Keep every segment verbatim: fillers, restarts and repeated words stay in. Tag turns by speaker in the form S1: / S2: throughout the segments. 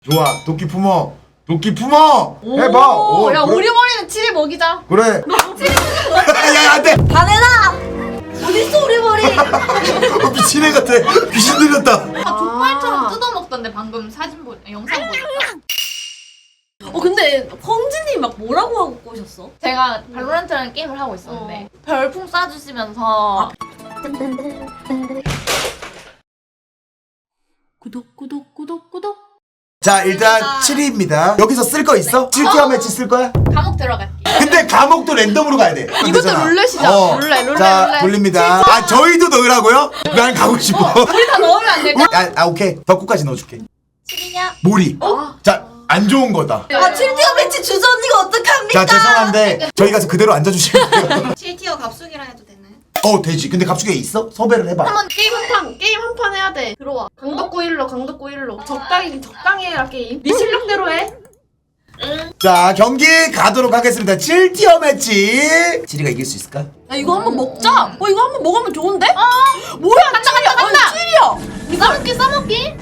S1: 좋아, 도끼 품어. 도끼 품어. 해봐. 오,
S2: 야
S1: 그래.
S2: 우리 머리는 칠 먹이자.
S1: 그래. 야, 안 돼.
S3: 바네나! 어딨어 우리 머리?
S1: 어, 미친 애 같아. 귀신 들렸다.
S2: 아, 족발처럼 뜯어먹던데 방금 사진 보 영상 보니까.
S3: 어 근데 펑진님 막 뭐라고 하고 꼬셨어?
S2: 제가 발로란트라는 게임을 하고 있었는데 별풍 쏴주시면서
S3: 구독 구독 구독 구독.
S1: 자, 일단 칠 위입니다. 여기서 쓸 거 있어? 칠 티어 매치 쓸 거야?
S2: 감옥 들어갈게.
S1: 근데 감옥도 랜덤으로 가야 돼.
S2: 이것도 룰렛이죠. 룰렛, 룰렛,
S1: 자,
S2: 룰렛.
S1: 돌립니다. 아, 저희도 넣으라고요? 난 가고 싶어.
S2: 우리 다 넣으면 안 될까?
S1: 아, 아, 오케이. 덕구까지 넣어줄게.
S2: 칠이냐?
S1: 모리. 자, 안 좋은 거다.
S3: 아 칠티어 매치 주저 언니가 어떡합니까?
S1: 자, 죄송한데 저희 가서 그대로 앉아주시면 돼요.
S4: 칠 티어 갑수기라 해도 되나요?
S1: 어, 되지. 근데 갑자기 있어? 섭외를 해봐.
S2: 한번
S4: 게임 한 판, 게임 한 판 해야 돼. 들어와. 강덕구 일로, 강덕구 일로. 적당히, 적당히 해라, 게임. 네 실력대로 해.
S1: 자, 경기 가도록 하겠습니다. 칠 티어 매치. 칠이가 이길 수 있을까?
S3: 야 이거 한번 먹자. 어 이거 한번 먹으면 좋은데? 아 뭐야?
S2: 간다, 간다, 간다.
S3: 칠이야.
S2: 싸먹기 싸먹기.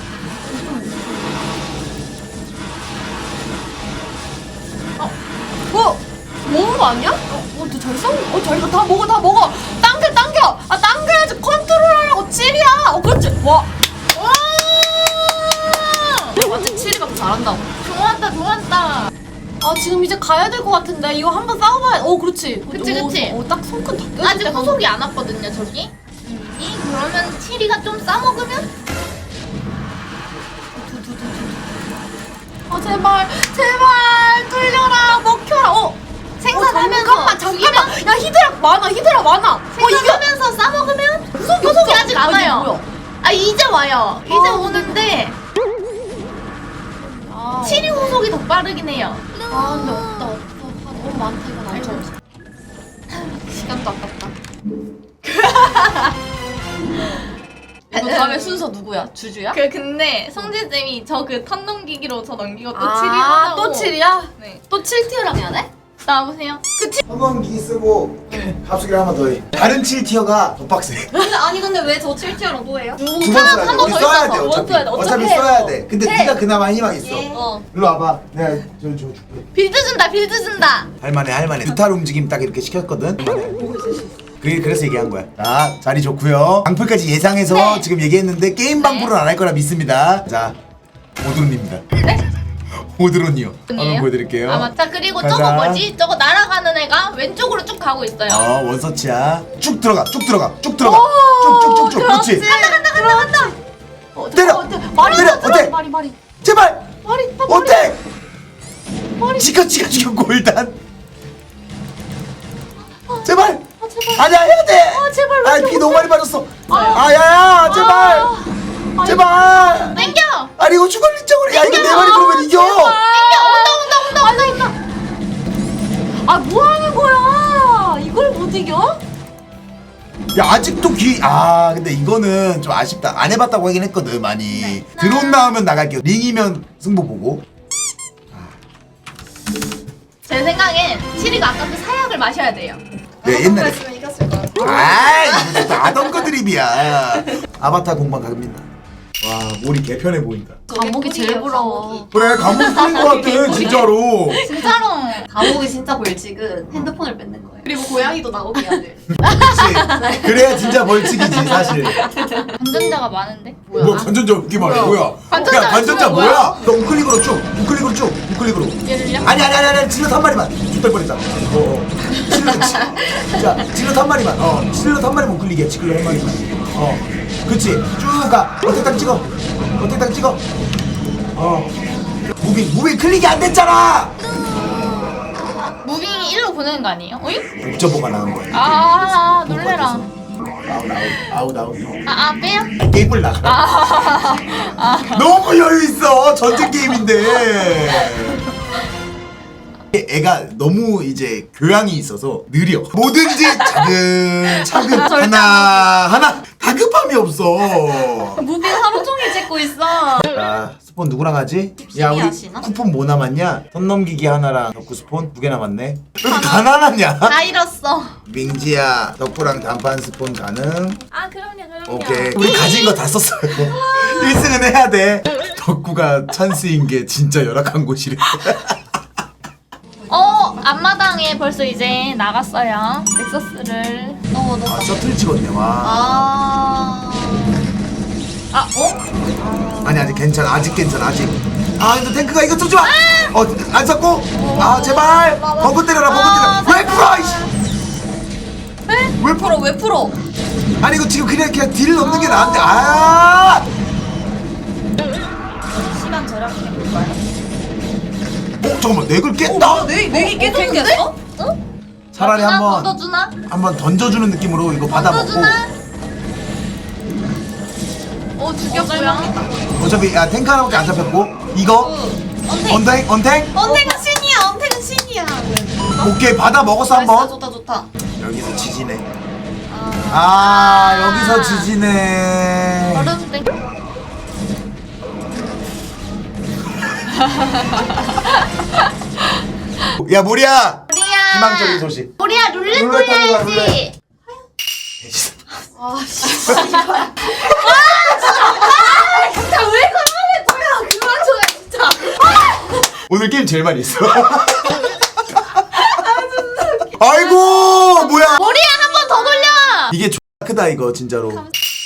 S3: 어? 먹은 거 아니야? 어, 어, 너잘 싸우. 어, 잘, 다 먹어, 다 먹어. 당겨, 당겨. 아, 당겨야지 컨트롤하라고. 칠이야. 어, 그렇지. 와. 완전 칠이밖에 잘한다.
S2: 좋았다 좋았다.
S3: 아, 지금 이제 가야 될 것 같은데. 이거 한번 싸워봐야. 어, 그렇지.
S2: 그치,
S3: 어,
S2: 그치.
S3: 어, 딱 손끝 다 껴.
S2: 아직 후속이 안 왔거든요 저기. 이 그러면 칠이가 좀 싸먹으면?
S3: 아, 제발, 제발 뚫려라, 먹혀라. 어.
S2: 생산하면서
S3: 어, 잠깐만, 잠깐만. 야, 히드락 많아, 히드락 많아. 어, 이거.
S2: 생산하면서 싸먹으면 후속이,
S3: 없어.
S2: 후속이 아직 안
S3: 아, 이게
S2: 와요.
S3: 뭐야?
S2: 아 이제 와요. 이제
S3: 어.
S2: 오는데
S3: 아,
S2: 칠이 후속이 더 빠르긴 해요.
S3: 아, 근데 없다, 없다. 아, 너무 많다, 이건 안 쳐.
S2: 시간도 아깝다.
S3: 이거 다음에 순서 누구야? 주주야?
S2: 그 근데 성진 쌤이 저 그 턴 넘기기로 저 넘기고 또 칠이
S3: 아,
S2: 하고.
S3: 또 칠이야?
S2: 네.
S3: 또 칠 티어랑 해야 돼?
S2: 나와보세요.
S1: 한번기 쓰고 갑수기를 한 번 더 해. 다른 칠 티어가 더 빡세.
S3: 근데 아니 근데 왜 저 칠 티어랑 또 해요?
S1: 두 번 써야 돼.
S2: 한번
S1: 우리
S2: 더
S1: 써야 돼.
S2: 있어서.
S1: 어차피.
S3: 써야 돼.
S1: 어차피
S3: 어차피
S1: 써야
S3: 해.
S1: 돼. 근데
S3: 해.
S1: 네가 그나마 희망 있어.
S4: 예.
S3: 어.
S1: 일로 와봐. 내가 저 저 줄게.
S2: 빌드 준다 빌드 준다.
S1: 할만해, 할만해. 유탈 움직임 딱 이렇게 시켰거든. 그 그래서 얘기한 거야. 자, 자리 좋고요. 방풀까지 예상해서
S2: 네.
S1: 지금 얘기했는데 게임 방풀은 안 할 거라 믿습니다. 자, 오드론입니다.
S2: 네?
S1: 오드론이요. 한번
S2: 아니에요?
S1: 보여드릴게요.
S2: 아 맞다. 그리고
S1: 가자.
S2: 저거 뭐지? 저거 날아가는 애가 왼쪽으로 쭉 가고 있어요.
S1: 어, 원서치야. 쭉 들어가, 쭉 들어가, 쭉 들어가. 쭉쭉쭉쭉. 그렇지.
S2: 간다 간다 간다 간다.
S3: 어,
S1: 때려!
S3: 어때? 말이
S1: 때려!
S3: 들어.
S1: 어때?
S3: 말이 말이.
S1: 제발.
S3: 말이 아, 말이.
S1: 어때? 지켜 지켜 지켜 골단. 제발.
S3: 아 제발.
S1: 아니야 해야 돼.
S3: 아 제발. 왜
S1: 아,
S3: 이렇게
S1: 피 너무 많이 빠졌어.
S3: 아.
S1: 아야야, 제발.
S3: 아,
S1: 제발.
S2: 땡겨.
S1: 아니 이거 죽을 쪽으로. 야, 이거 내 말이 그러면 이겨.
S2: 땡겨. 온다 온다 온다 온다 온다.
S3: 아, 뭐 하는 거야? 이걸 못 이겨?
S1: 야, 아직도 기. 아, 근데 이거는 좀 아쉽다. 안 해봤다고 하긴 했거든 많이. 드론 나오면 나갈게요. 링이면 승부 보고.
S2: 제 생각엔 칠이가 아까 그 사약을 마셔야 돼요.
S1: 네, 옛날에.
S4: 했으면 이겼을 거야.
S1: 아, 이거 다 던거 드립이야. 아바타 공방 갑니다. 와, 몰이 개편해 보인다.
S3: 감옥이 제일
S4: 꿀이에요,
S3: 부러워.
S4: 감옥이.
S1: 그래, 감옥 뚫린 거 같아, 진짜로.
S2: 진짜로.
S3: 감옥이 진짜 벌칙은 핸드폰을 뺏는 거예요.
S4: 그리고 고양이도 나오게 해야 돼.
S1: 그치. 그래야 진짜 벌칙이지, 사실.
S2: 관전자가 많은데?
S1: 뭐야, 관전자 웃기 말해, 뭐야.
S2: 관전자
S1: 야, 관전자
S2: 뭐야?
S1: 뭐야? 너 우클릭으로 쭉, 우클릭으로 쭉, 우클릭으로.
S2: 얘를요?
S1: 아니, 아니, 아니, 아니, 질럿 한 마리만. 죽될 뻔했잖아. 어, 어. 질럿, 자, 질럿 한 마리만. 어, 질럿 한 마리만 우클릭해, 질럿 한 마리만. 어, 그치. 쭉 가. 어택 딱 찍어. 어택 딱 찍어. 어. 무빙, 무빙 클릭이 안 됐잖아!
S2: 무빙이 일로 보내는 거 아니에요? 어이?
S1: 옵저버가 나온 거야.
S2: 아, 놀래라.
S1: 아웃, 아웃, 아웃, 아웃.
S2: 아, 아, 빼요?
S1: 게임을 나가.
S2: 아, 아.
S1: 너무 여유 있어. 전쟁 게임인데. 애가 너무 이제 교양이 있어서 느려. 뭐든지 차근 차근 하나 하나 다급함이 없어.
S3: 무빙 하루 종일 찍고 있어.
S1: 자, 스폰 누구랑 하지? 야 우리
S3: 하시나?
S1: 쿠폰 뭐 남았냐? 선 넘기기 하나랑 덕구 스폰 두 개 남았네. 왜 이렇게 가난하냐?
S2: 다 잃었어.
S1: 민지야 덕구랑 단판 스폰 가능?
S3: 아 그럼요 그럼요.
S1: 오케이 우리 가진 거 다 썼어요. 일 승은 해야 돼. 덕구가 찬스인 게 진짜 열악한 곳이래.
S2: 어 앞마당에 벌써 이제 나갔어요. 넥서스를. 어 너.
S1: 아 셔틀 찍었네 와.
S2: 아. 아 어?
S1: 아니 아직 괜찮아 아직 괜찮아 아직. 아 근데 탱크가 이거 쏘지 마. 어안 썼고. 아 제발 벙커 때려라
S2: 아,
S1: 벙커 때려. 왜 풀어 이씨. 왜
S3: 풀어 왜 풀어?
S1: 아니 이거 지금 그냥 그냥 딜 넣는 게 나은데 아.
S3: 시간 절약해 볼까요?
S1: 어 잠깐만 넥을 깼다.
S3: 내 내기 깨졌는데?
S2: 어?
S1: 차라리
S2: 던져주나?
S1: 한번
S2: 던져주나?
S1: 한번 던져주는 느낌으로 이거 받아먹고.
S2: 던져주나?
S3: 어 죽였고요.
S1: 어차피 야 탱크 하나밖에 안 잡혔고 이거
S2: 언탱.
S1: 언탱 언탱.
S3: 언택은 신이야 언택은 신이야.
S1: 오케이 받아 먹었어
S3: 나이스,
S1: 한번.
S3: 좋다 좋다.
S1: 여기서 지지네. 아 여기서 지지네.
S2: 얼음 땡.
S1: 야 모리야.
S2: 우리야.
S1: 희망적인 소식.
S2: 우리야 룰렛
S1: 룰렛 하는 거야,
S2: 돌려야지.
S3: 진짜 왜 그만해 도야 그만 줘야 진짜.
S1: 오늘 게임 제일 많이 했어. 아이고 뭐야.
S2: 우리야 한 번 더 돌려.
S1: 이게 X 크다 이거 진짜로.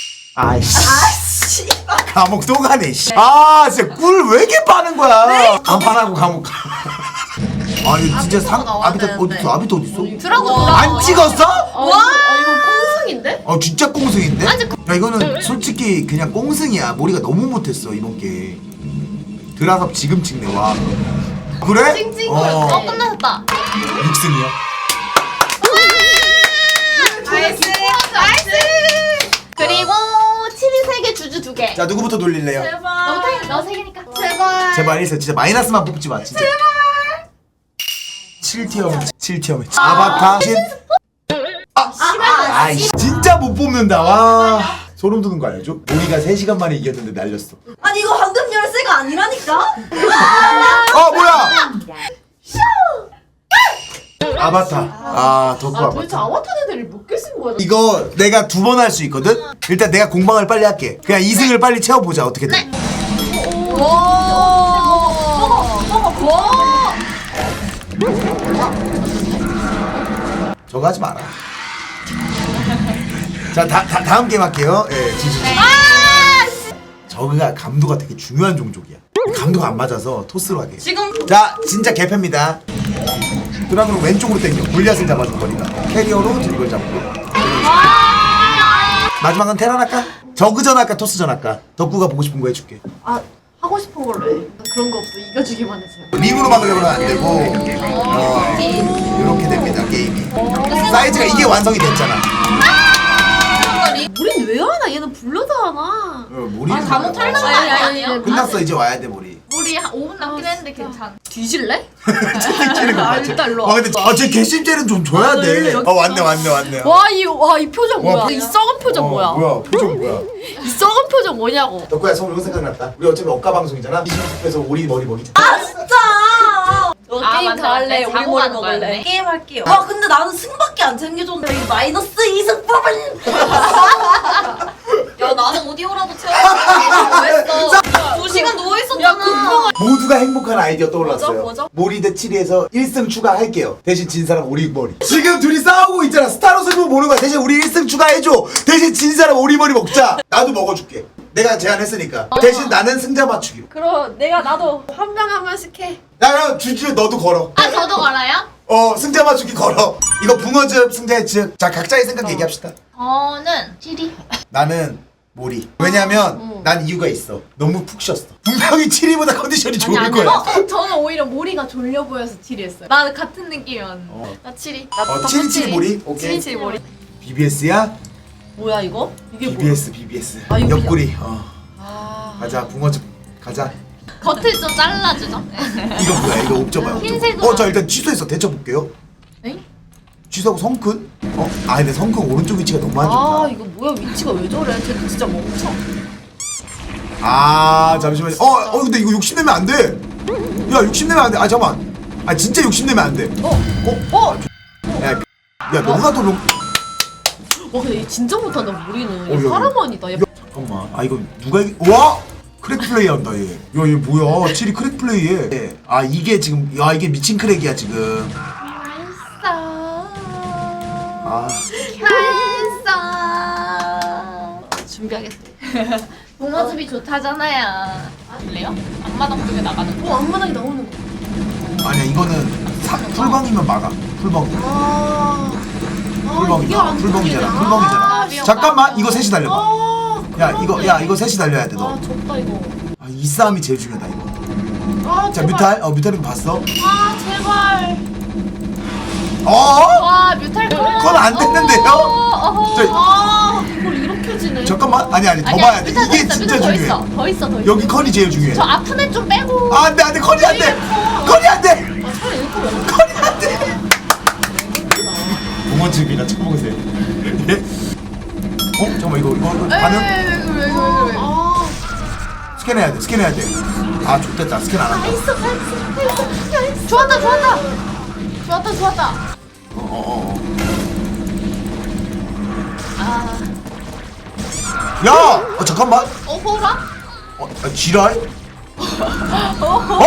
S1: 아이씨. 감옥 또 가네 씨. 아 진짜 꿀 왜 이렇게 빠는 거야. 간판하고 감옥 가. 아니 진짜 상
S3: 나와야
S1: 아비타
S3: 되는데.
S1: 어딨어 아비타 어딨어?
S2: 드라고 돌아.
S1: 안 찍었어?
S4: 와 아, 이거 꽁승인데?
S1: 어 진짜 꽁승인데?
S2: 아직
S1: 야 이거는 솔직히 그냥 꽁승이야. 모리가 너무 못했어 이번 게임. 드라섭 지금 찍네 와. 그래?
S4: 찡찡
S1: 어.
S2: 어 끝났다.
S1: 육 승이야.
S3: 나이스 나이스.
S2: 그리고 칠이 세 개, 주주 두 개.
S1: 자 누구부터 돌릴래요?
S3: 제발.
S2: 너세 개니까.
S3: 제발.
S1: 제발 일세 진짜 마이너스만 뽑지 마 진짜. 제발. 칠 티어면 칠 티어면 아바타 신. 아, 아, 이 진짜 못 뽑는다. 와. 소름 돋는 거 알죠? 우리가 세 시간 만에 이겼는데 날렸어.
S3: 아니 이거 황금 열쇠가 아니라니까?
S1: 어 뭐야? 아바타. 아 덕후
S4: 아 도대체
S1: 아바타.
S4: 아바타 애들이 몇 개 쓴 거야?
S1: 이거 내가 두 번 할 수 있거든? 일단 내가 공방을 빨리 할게. 그냥 이 승을 빨리 채워보자 어떻게든.
S3: 오. 와.
S1: 저거 하지 마라. 자 다, 다, 다음 게임 할게요. 예, 지지. 저그가 감도가 되게 중요한 종족이야. 감도가 안 맞아서 토스로 하게.
S3: 지금
S1: 자 진짜 개패입니다. 드라그로 왼쪽으로 당겨. 골리앗을 잡아줄 거니까 캐리어로 드리블 잡고. 마지막은 테란 할까? 저그전 할까 토스전 할까? 덕구가 보고 싶은 거 해줄게.
S4: 아 하고 싶은 걸로 해. 그런 거 없어. 이겨주기만 해서.
S1: 링으로 막으려면 안 되고 어, 이렇게 됩니다 게임이. 사이즈가 이게 완성이 됐잖아.
S4: 우린 왜 하나? 얘는 불러도 하나.
S1: 어, 모리.
S2: 아, 감옥 탈락
S3: 아니, 아니, 아니,
S2: 아니에요?
S1: 끝났어 이제 와야 돼 모리.
S2: 우리 한 오 분 남긴 했는데 괜찮아.
S3: 뒤질래?
S1: 찍히는 거
S3: 아,
S1: 맞지?
S3: 일단 일로
S1: 아
S3: 와.
S1: 근데 아, 제 개심죄는 좀 줘야
S3: 아,
S1: 돼.
S3: 여기
S1: 어 왔네 왔네 왔네.
S3: 와 이 와 이 표정
S1: 와,
S3: 뭐야?
S1: 표-
S3: 이 썩은 표정
S1: 어,
S3: 뭐야?
S1: 뭐야 표정 뭐야?
S3: 이 썩은 표정 뭐냐고?
S1: 덕구야 서울 이거 생각났다. 우리 어차피 억가 방송이잖아. 이십에서 오리 머리 먹이자.
S3: 아 진짜! 너
S2: 아,
S3: 게임
S2: 맞네,
S3: 다 할래?
S2: 맞네.
S3: 우리
S2: 자고
S3: 머리
S2: 가는
S3: 먹을래?
S2: 거였네.
S3: 게임 할게요. 와 근데 나는 승밖에 안 챙겨줬는데 이 마이너스 이 승 뽑은. 야 나는 오디오라도 채웠어. 했어. 두 시간 누워 있었잖아.
S1: 모두가 행복한 아이디어 떠올랐어요.
S3: 뭐죠? 뭐죠?
S1: 모리 대 칠이에서 일 승 추가할게요. 대신 진 사람 오리 머리. 지금 둘이 싸우고 있잖아. 스타로스 보고 보는 거야. 대신 우리 일 승 추가해줘. 대신 진 사람 오리 머리 먹자. 나도 먹어줄게. 내가 제안했으니까. 대신 나는 승자 맞추기로.
S4: 그럼 내가 나도 한 명 한 명씩 해.
S1: 야 그럼 주주 너도 걸어.
S2: 아 저도 걸어요?
S1: 어 승자 맞추기 걸어. 이거 붕어즙 승자의 자 각자의 생각 얘기합시다.
S2: 저는 칠이.
S1: 나는 모리. 왜냐면 난 이유가 있어. 너무 푹 쉬었어. 분명히 칠이보다 컨디션이 좋을 거야.
S4: 어, 저는 오히려 모리가 졸려 보여서 칠이 했어요.
S2: 나는 같은 느낌이었는데.
S1: 어.
S2: 나 칠이.
S1: 어 칠이 칠이 모리. 오케이.
S3: 칠이 칠이 머리.
S1: 비비에스야?
S3: 뭐야 이거? 이게 뭐야?
S1: 비비에스 비비에스.
S3: 아, 이거
S1: 옆구리. 어.
S3: 아.
S1: 가자 붕어즙 가자.
S2: 겉을 좀 잘라주죠.
S1: 이거 뭐야 이거 옵저봐요.
S2: 흰색으로.
S1: 어저 일단 취소해서 대처 볼게요.
S2: 엥?
S1: 취소하고 성큰? 어? 아 근데 성큰 오른쪽 위치가 너무 안 좋다.
S3: 아 이거 뭐야 위치가 왜 저래? 쟤 진짜 멍청.
S1: 아 잠시만요. 어, 어 근데 이거 욕심내면 안 돼. 야 욕심내면 안 돼. 아 잠깐만. 아 진짜 욕심내면 안 돼.
S4: 어?
S1: 어?
S4: 어?
S1: 야, 야 너가 더 욕.
S4: 와 근데 얘 진짜 못한다 우리는.
S1: 어,
S4: 얘
S1: 야,
S4: 사람 아니다. 얘.
S1: 잠깐만. 아 이거 누가 이기? 와! 크랙 플레이 한다 얘. 야 얘 뭐야? 칠이 크랙 플레이해. 아 이게 지금 야 이게 미친 크랙이야 지금. 아
S4: 준비하겠어.
S2: 붕어집이 좋다잖아요. 그래요? 앞마당 쪽에 나가는 거.
S4: 어 앞마당이 나오는 거.
S1: 아니야 이거는 사, 풀벙이면 막아. 풀벙.
S4: 아. 아,
S1: 풀벙이다.
S4: 이게 안
S1: 풀벙이잖아.
S4: 보이네.
S1: 풀벙이잖아.
S4: 아,
S1: 잠깐만 이거 셋이 달려봐.
S4: 아,
S1: 야 이거 야 이거 셋이 달려야 돼 너.
S4: 아 졌다 이거.
S1: 아, 이 싸움이 제일 중요하다 이거.
S4: 아
S1: 자
S4: 제발.
S1: 뮤탈 어 뮤탈 이거 봤어?
S4: 아 제발.
S1: 어?
S2: 와 뮤탈 거.
S1: 그건 안 됐는데요? 저,
S4: 아 이걸 이렇게 지네.
S1: 잠깐만 아니 아니 더
S2: 아니야,
S1: 봐야 돼.
S2: 뮤탈 더
S1: 이게
S2: 있어,
S1: 진짜
S2: 뮤탈 더
S1: 중요해.
S2: 있어, 더 있어, 더 있어.
S1: 여기 컨이 제일 중요해.
S2: 저 아픈 애 좀 빼고.
S1: 아 안돼 안돼 컨이 안돼. 컨이 안돼.
S4: 아 차라리 이렇게 먹어.
S1: 컨이 안돼. 붕어집이나 쳐보세요. 예? 어 잠깐만 이거 이거 반응
S4: 아.
S1: 스캔해야 돼 스캔해야 돼. 아 좋됐다 스캔 안 한다.
S4: 나이스 나이스 나이스 나이스. 좋았다 좋았다. 좋았다 좋았다.
S1: 어어어.
S2: 아,
S1: 야! 어 잠깐만.
S2: 어 호라?
S1: 어 아, 지랄? 어?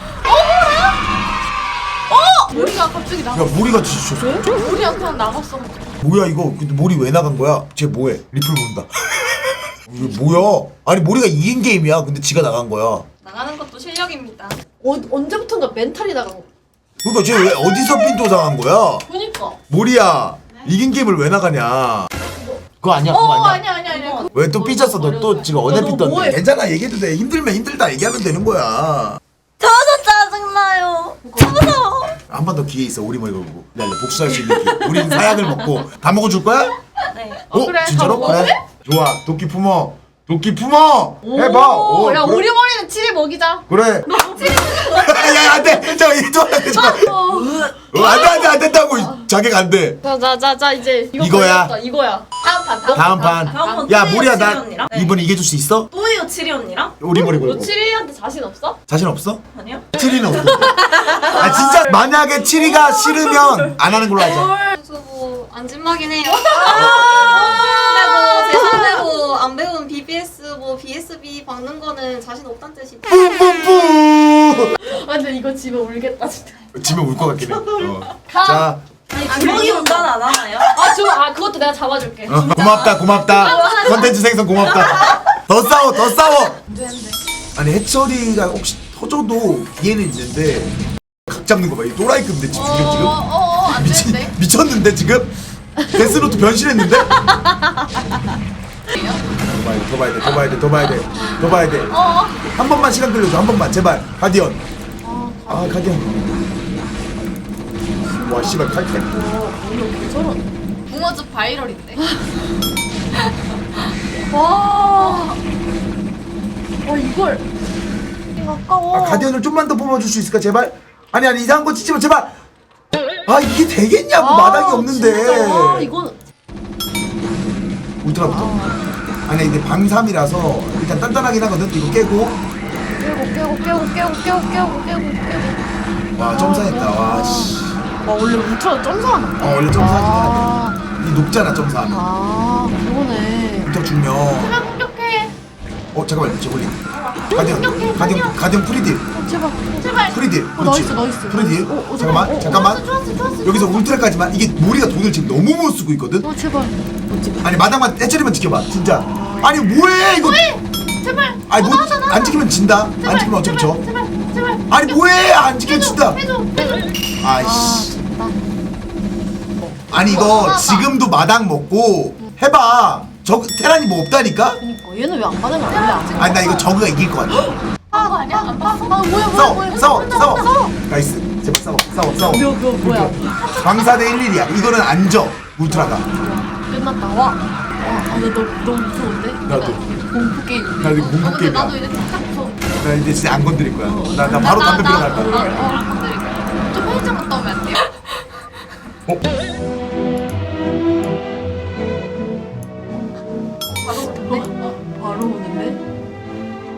S4: 머리가 갑자기 나.
S1: 야 모리가 지쳤어.
S4: 머리가 그냥 나갔어.
S1: 뭐야 이거? 근데 모리 왜 나간 거야? 쟤 뭐해? 리플 본다. 이게 뭐야? 아니 모리가 이긴 게임이야. 근데 지가 나간 거야.
S3: 나가는 것도 실력입니다.
S4: 어, 언제부턴가 멘탈이 나간 거.
S1: 그러니까 쟤 왜 어디서 핀도 당한 거야?
S4: 보니까.
S1: 모리야 이긴 게임을 왜 나가냐? 그거 아니야 그거
S4: 어
S1: 아니야.
S4: 아니야 아니야 아니야.
S1: 왜 또 삐졌어? 너 또 지금 어디
S4: 야, 너
S1: 삐졌는데?
S4: 뭐해?
S1: 괜찮아 얘기해도 돼. 힘들면 힘들다 얘기하면 되는 거야.
S3: 저도 짜증나요. 무서워.
S1: 한 번 더 기회 있어. 오리 머리 걸고. 기다려 복수할 수 있는 기회. 우린 사약을 먹고 다 먹어줄 거야?
S3: 네.
S1: 어?
S4: 그래,
S1: 진짜로?
S4: 다 먹어.
S1: 그래? 좋아 도끼 품어. 도끼 품어. 해봐. 오,
S4: 야
S1: 그래.
S4: 우리 머리는 칠이 먹이자.
S1: 그래. 야야 안돼. 저 이거 잠깐. 어, 안돼 안돼 안 된다고. 자격 안 돼.
S4: 자자자자 이제 이거
S1: 이거야.
S4: 걸렸다, 이거야. 다음 판 다음.
S1: 다음 판.
S3: 다음 판
S1: 야
S3: 또
S1: 모리야
S3: 해요,
S1: 나
S3: 칠이 언니랑? 네.
S1: 이번에 이겨줄 수 있어?
S3: 또해요 칠이 언니랑?
S1: 오리 머리
S4: 너
S1: 걸고.
S4: 칠이한테 자신 없어?
S1: 자신 없어?
S3: 아니요.
S1: 칠이는 없는데. 아 진짜 만약에 칠이가 싫으면 안 하는 걸로 하자.
S3: 그래서 뭐안 진마긴 해요. 근데 뭐 제 상대로 안 배운 비비에스 뭐 비에스비 박는 거는 자신 없단 뜻이죠.
S1: 뿜뿜뿜.
S4: 아 근데 이거 집에 울겠다 진짜.
S1: 집에 울 것 같긴 해. 어. 자.
S3: 주먹이 운전 안 하나요?
S4: 아저아 그것도 내가 잡아줄게.
S1: 어, 고맙다 고맙다 컨텐츠 생성 고맙다. 더 싸워 더 싸워. 아니 해철이가 혹시 터져도 이해는 있는데 각 잡는 거 봐. 이 또라이급인데 지금 지금
S2: 어어안
S1: 미친
S2: 되는데.
S1: 미쳤는데 지금 데스노트 변신했는데. 더 봐야 돼 더 봐야 돼 더 봐야 돼 더 봐야 돼 더 봐야 돼. 한 번만 시간 끌려줘 한 번만 제발 가디언. 아 가디언. 와 씨발 칼칼.
S2: 붕어집 바이럴인데.
S4: 와. 와 이걸. 이거 아까워.
S1: 아, 가디언을 좀만 더 뽑아줄 수 있을까 제발? 아니 아니 이상한 거 찍지 마 제발. 아 이게 되겠냐고
S4: 아,
S1: 마당이 없는데.
S4: 진짜. 아 이건.
S1: 울트라부터. 아니 근데 방삼이라서 일단 단단하긴 하거든. 이거 깨고.
S4: 깨고 깨고 깨고 깨고 깨고 깨고 깨고 깨고.
S1: 와 점사했다. 와 씨.
S4: 와 원래 울트라 점사하나?
S1: 어 원래 점사하긴 해야
S4: 아.
S1: 돼. 이 높잖아 점사하면.
S4: 아 그러네.
S1: 울트라 중요.
S2: 나 공격해.
S1: 어 잠깐만 저걸리. 가디언 가디언 가디언 프리딜.
S4: 제발.
S2: 제발.
S1: 프리딜.
S4: 어, 나이스, 나이스.
S1: 프리딜.
S4: 어, 어,
S1: 잠깐만
S4: 어, 어,
S1: 잠깐만.
S2: 좋았어 좋았어.
S1: 여기서 울트라까지만 이게 모리가 돈을 지금 너무 못 쓰고 있거든.
S4: 어 제발.
S1: 아니 마당만 해처리만 지켜봐 진짜. 아니 뭐해 이거.
S2: 제발.
S1: 아니 뭐 안 지키면 진다. 안 지키면 어차피 져.
S2: 제발 제발.
S1: 아니 뭐해 안 지키면 진다.
S2: 해줘 해줘.
S1: 아이씨. 아니 이거 지금도 마당 먹고 해봐. 저 테란이 뭐 없다니까.
S4: 그니까 얘는 왜 안 받으면 안 돼? 안
S1: 아니 나 이거 저그가 이길 것 같아.
S2: 아거 아니야? 안 봤어?
S4: 아 뭐야 뭐야
S1: 싸워
S4: 뭐야.
S1: 싸워
S4: 혼자,
S1: 싸워.
S4: 혼자 싸워.
S1: 나이스. 제발 싸워 싸워 싸워.
S4: 몇, 몇, 뭐야?
S1: 광사 대 일일이야. 이거는 안 져. 울트라가.
S4: 끝났다. 와. 와, 아, 나 너무 너무 무서운데?
S1: 나도.
S4: 공포 게임.
S1: 나 이거
S2: 어,
S1: 공포
S2: 근데
S1: 게임이야.
S2: 나도 이제 살짝 무서워.
S1: 나 이제 진짜 안 건드릴 거야. 나 나 바로 담배 피러 갈
S2: 나,
S1: 거야.
S2: 나, 나, 나 건드릴 거야. 좀 편의점 갔다 오면 안 돼요?
S1: 어?
S4: 바로 오는데? 바로 오는데?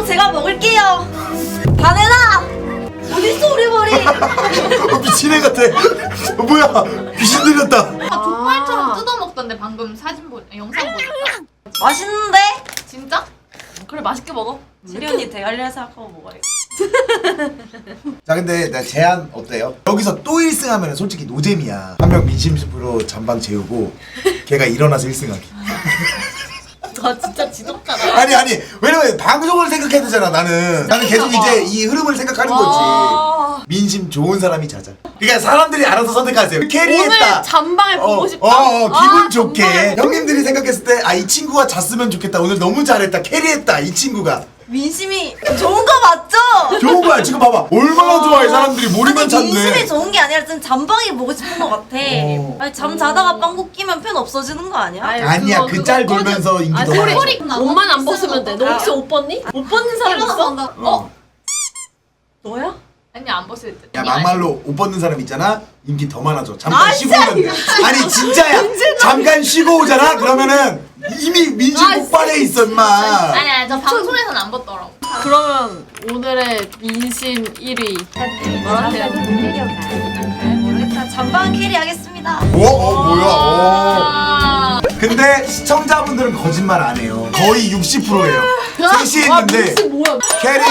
S3: 이거 제가 먹을게요. 다 내놔. 어딨어 우리 머리?
S1: 어, 미친 애 같아. 어, 뭐야? 귀신 들렸다.
S2: 아, 족발처럼 뜯어먹던데 방금 사진 보 영상 보니까.
S3: 맛있는데?
S2: 진짜?
S3: 그래 맛있게 먹어. 세리 언니 대가리를 생각하고 먹어야겠다.
S1: 자, 근데 나 제안 어때요? 여기서 또 일 등 하면 솔직히 노잼이야. 한 명 민심 스프로 전방 재우고 걔가 일어나서 일 등 하기.
S2: 나 진짜 지독하다.
S1: 아니 아니 왜냐면 방송을 생각해야 되잖아. 나는 나는 계속 이제 이 흐름을 생각하는
S3: 와.
S1: 거지. 민심 좋은 사람이 자자. 그러니까 사람들이 알아서 선택하세요. 캐리했다.
S4: 오늘 잠방을 보고
S1: 어,
S4: 싶다.
S1: 어, 어, 기분
S4: 아,
S1: 좋게
S4: 잠방을
S1: 형님들이 생각했을 때 아 이 친구가 잤으면 좋겠다. 오늘 너무 잘했다. 캐리했다. 이 친구가
S3: 민심이 좋은 거 맞죠?
S1: 좋은 거야. 지금 봐봐. 얼마나 좋아해 사람들이. 몰입만
S3: 아니 민심이
S1: 찾네.
S3: 좋은 게 아니라 좀 잠방이 보고 싶은 것 같아.
S1: 어.
S3: 아니 잠 자다가 빵꾸 끼면 팬 없어지는 거 아니야?
S4: 아유,
S1: 아니야
S4: 그거,
S1: 그 짤
S4: 그거
S1: 돌면서
S4: 꺼져.
S1: 인기
S4: 아,
S1: 더
S4: 소리,
S1: 많아.
S2: 소리
S4: 옷만 안 벗으면 돼. 너 혹시 옷 벗니? 옷 벗는 사람 있어?
S1: 어.
S3: 너야?
S2: 아니 안 벗을 듯.
S1: 야 막말로 옷 벗는 사람 있잖아. 인기 더 많아져. 잠깐 쉬고 오면 돼. 아니 진짜야. 잠깐 쉬고 오잖아. 그러면은 이미 민심
S4: 아,
S1: 폭발해 있어 임마.
S2: 아니 아니 저 방송에서는 안 벗더라고.
S4: 그러면 오늘의 민심 일 위. 뭐라고요?
S3: 모르겠다. 잠방 캐리 하겠습니다.
S1: 오, 어 뭐야?
S2: 아.
S1: 오. 근데 시청자분들은 거짓말 안 해요. 거의 육십 퍼센트예요. 셋이
S4: 와,
S1: 했는데
S4: 민심 뭐야?
S1: 캐리.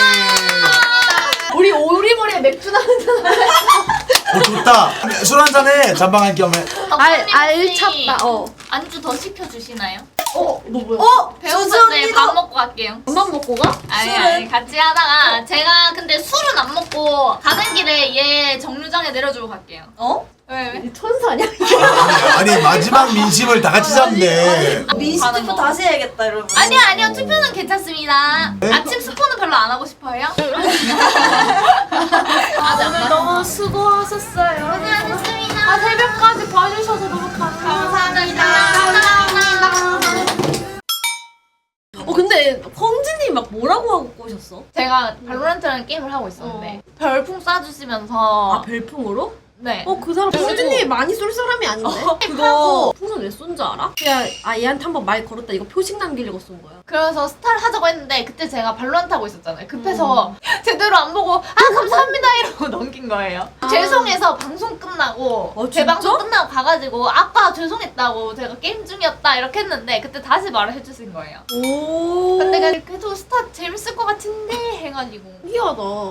S4: 우리 오리머리에 맥주 나는잖아.
S1: 어 좋다. 술 한 잔에 잠방할 겸해.
S4: 알,
S2: 덕분님 혹시
S4: 알찼다. 어.
S2: 안주 더 시켜 주시나요?
S4: 어, 너 뭐야?
S3: 어? 주주
S2: 배우는데 밥
S3: 언니도
S2: 먹고 갈게요.
S4: 밥만 먹고 가?
S2: 아니
S3: 술은?
S2: 아니 같이 하다가 제가 근데 술은 안 먹고 가는 길에 얘 정류장에 내려주고 갈게요.
S3: 어?
S2: 왜 왜?
S4: 이 천사냐?
S1: 아니, 아니 마지막 민심을 다 같이 잡네.
S3: 민심
S2: 가는
S3: 투표
S2: 거.
S3: 다시 해야겠다 여러분.
S2: 아니요 아니요 투표는 괜찮습니다.
S1: 네?
S2: 아침 스포는 별로 안 하고 싶어요.
S4: 아, 오늘 너무 수고하셨어요.
S2: 고생하셨습니다.
S4: 아, 새벽까지 봐주셔서 너무 감사합니다. 어, 근데 황진님 막 뭐라고 하고 꼬셨어?
S2: 제가 발로란트라는 게임을 하고 있었는데 별풍 쏴주시면서
S3: 아 별풍으로?
S2: 네.
S4: 어, 그 사람
S2: 그리고-
S4: 황진님이 많이 쏠 사람이 아닌데?
S3: 어, 그거
S4: 풍선 왜 쏜 줄 알아? 그냥 아 얘한테 한번 말 걸었다 이거 표식 남기려고 쏜 거야.
S2: 그래서 스타를 하자고 했는데 그때 제가 발로란트 하고 있었잖아요. 급해서 제대로 안 보고 아 감사합니다 이러고 넘긴 거예요.
S4: 아.
S2: 죄송해서 방송 끝나고
S3: 어,
S2: 제
S3: 진짜?
S2: 방송 끝나고 가가지고 아까 죄송했다고 제가 게임 중이었다 이렇게 했는데 그때 다시 말을 해주신 거예요.
S3: 오.
S2: 근데 그래도 스타 재밌을 것 같은데 해가지고
S4: 신기하다.